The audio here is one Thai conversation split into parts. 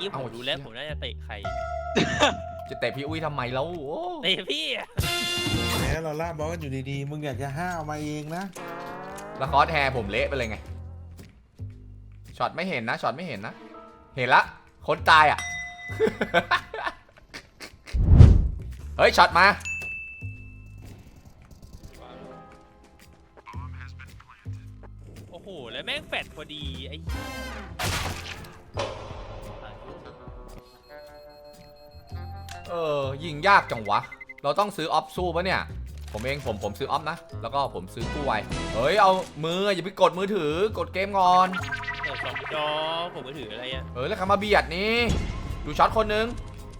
กี้ผมดูแล้วผมน่าจะเตะใครจะเตะพี่อุ้ยทำไมแล้วโอ้เตะพี่อะแหมเราล่าบอลกันอยู่ดีๆมึงอยากจะห้าวมาเองนะแล้วคอสแฮร์ผมเละไปเลยไงช็อตไม่เห็นนะช็อตไม่เห็นนะเห็นละคนตายอ่ะ เฮ้ยช็อตมาโอ้โหแล้วแม่งแฟดพอดีไอ้ยิงยากจังวะเราต้องซื้อออฟสู้ปะเนี่ยผมเองผมซื้อออฟนะแล้วก็ผมซื้อกู้ไวเฮ้ยเอามืออย่าไปกดมือถือกดเกมก่อนสองจอผมก็ถืออะไรอ่ะแล้วใครมาเบียดนี่ดูช็อตคนนึง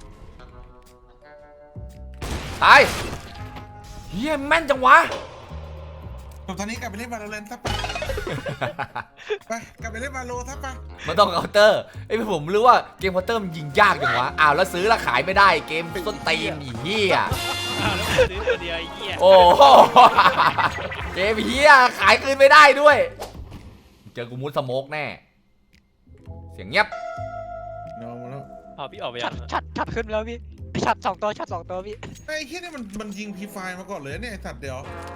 ตายเฮียแม่นจังวะตอนนี้กลับไปเล่นวาโลแรนต์ซะไปไปกลับไปเล่นวาโลซะไปมันต้องเคาน์เตอร์ไอ้ผมรู้ว่าเกมเคาน์เตอร์มันยิงยากจังวะอ้าวแล้วซื้อแล้วขายไม่ได้เกมต้นตีนอีเหี้ยอ้าวแล้วผมซื้อตัวเดียวไอ้เหี้ยโอ้โหเกมเหี้ยขายคืนไม่ได้ด้วย เจอกูมุดสโมกแน่เสียงเงียบเนาแล้วพอพี่ออกไปชัยัดงชัดขึ้นแล้วพี่ชัด2 ตัวชัด2 ตัวพี่ไอ้เหี้ยนี่มันยิงพีไฟมาก่อนเลยเนี่ยไอ้สัตว์เดี๋ยว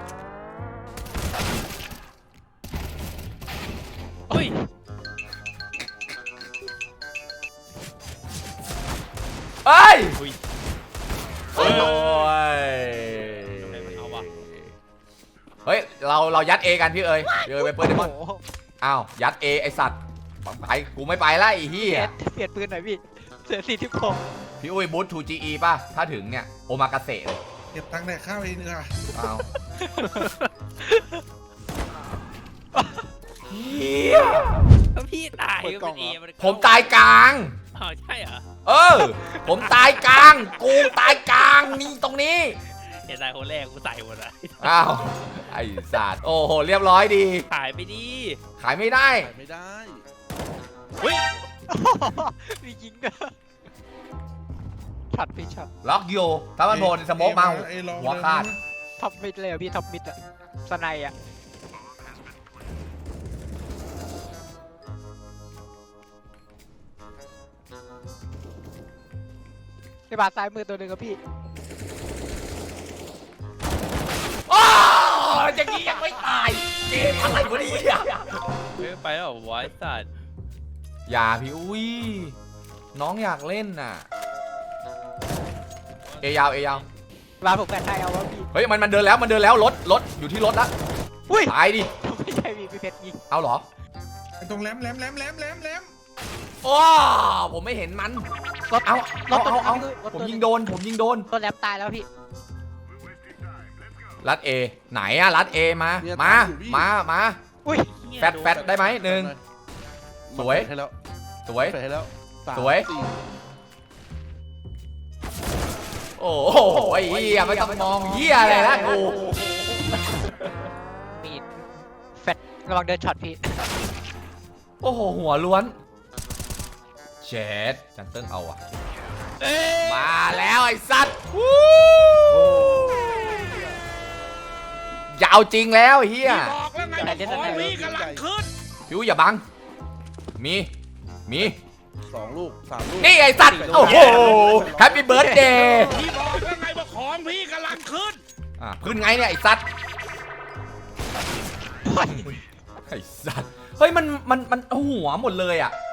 เฮ้ยเอ้ยอุ้ยโอ้ยทำไมมันเอาวะเฮ้ยเรายัดเอกันพี่เอ๋ยไปเปิดเดมอนโอ้โหอ้าวยัดเอไอสัตว์ไปกูไม่ไปละไอ้เหี้ยเปลี่ยนปืนหน่อยพี่เสือ46 พี่อุ้ยบูท 2GE ป่ะถ้าถึงเนี่ยโอมากาเสะเลยเก็บตังค์แดกข้าวเองดีกว่าอ้าวเหี้ยแล้วพี่ตายก็เป็นเอมันผมตายกลางอ้าวใช่เหรอผมตายกลางกูตายกลางนี่ตรงนี้เห็นตายคนแรกกูใส่หมดเลยอ้าวไอ้สัตว์โอ้โหเรียบร้อยดีขายไปดีขายไม่ได้ไม่ได้เฮ้ยมียิงด้วยชัดพี่ชัดล็อกโยถ้ามันโผล่ในสโมกมาไอ้ลองหัวขาดท็อปมิดเลยอะพี่ท็อปมิดอะสไนอะในบาดซ้ายมือตัวหนึ่งครับพี่โอ้อย่างนี้ยังไม่ตายเกมอะไรวะเนี่ยเฮ้ยไปแล้วเหรอวายสัตว์อย่าพี่อุ้ยน้องอยากเล่นน่ะเอยาวบาดผมแปดไทยเอาวะพี่เฮ้ยมันเดินแล้วรถอยู่ที่รถละอุ้ยตายดิไม่ใช่พี่เพชรยิงเอาเหรอไอ้ตรงแหลมโอ้ผมไม่เห็นมันรถเอารถตัวเอานึงรถผมตัวยินึงงโดนตัวแลบตายแล้วพี่รัดเอไหนอะรัดเอมามาอุ้ยแฟดได้ไหมหนึ่ง สวยให้แล้วสวยแฟดให้แล้ว3 สวย โอ้โหไอ้เหี้ยไม่ต้องมองเหี้ยอะไรนะกูมีแฟดระวังเดินช็อตพี่โอ้โหหัวล้วนเชดจันเติ้งเอาอะมาแล้วไอ้สัตว์อย่าเอาจริงแล้วไอ้เฮียบอกแล้วไงแต่เล่นอะไรพี่กำลังขึ้นพิวอย่าบังมี 2 ลูก 3 ลูกนี่ไอ้สัตว์โอ้โหแฮปปี้เบิร์ดเดย์พี่บอกแล้วไงว่าของพี่กำลังขึ้นขึ้นไงเนี่ยไอ้สัตว์ไอ้สัตว์เฮ้ยมันหัวหมดเลยอะ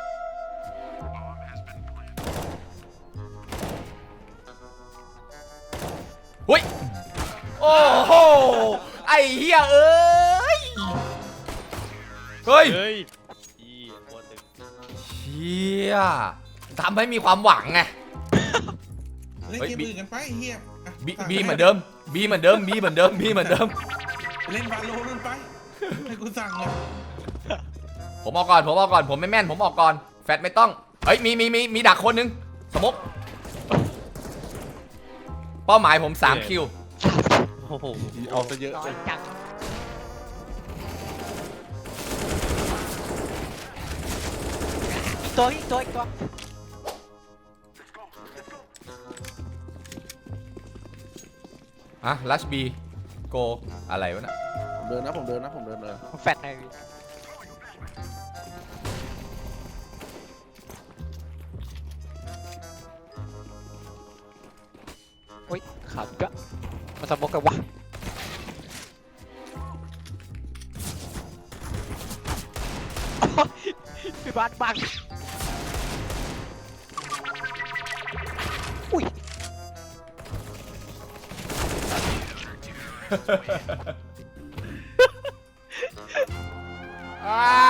เฮ้ยโอ้โหไอ้เหี้ยเอ้ยเฮ้ยเฮ้ยอีโคตรตึงเชี่ยทำให้มีความหวังไงเล่นเฮ้ยเกมอื่นกันไปเฮียบีเหมือนเดิมบีเหมือนเดิมไปเล่นวาโลนู่นไปให้กูสั่งเลยผมออกก่อนผมไม่แม่นผมออกก่อนแฟดไม่ต้องเฮ้ยมีดักคนนึงสมบเป้าหมายผม3 คิวโอ้โหเอาซะเยอะน้อยจังอีกตัวลัชบีโกอะไรวะน่ะผมเดินนะผมเดินเลยแฟดหน่อยพี่โอ้ยขาดก็มาสมกกันวะพี่บาสบังอุ้ยอ้า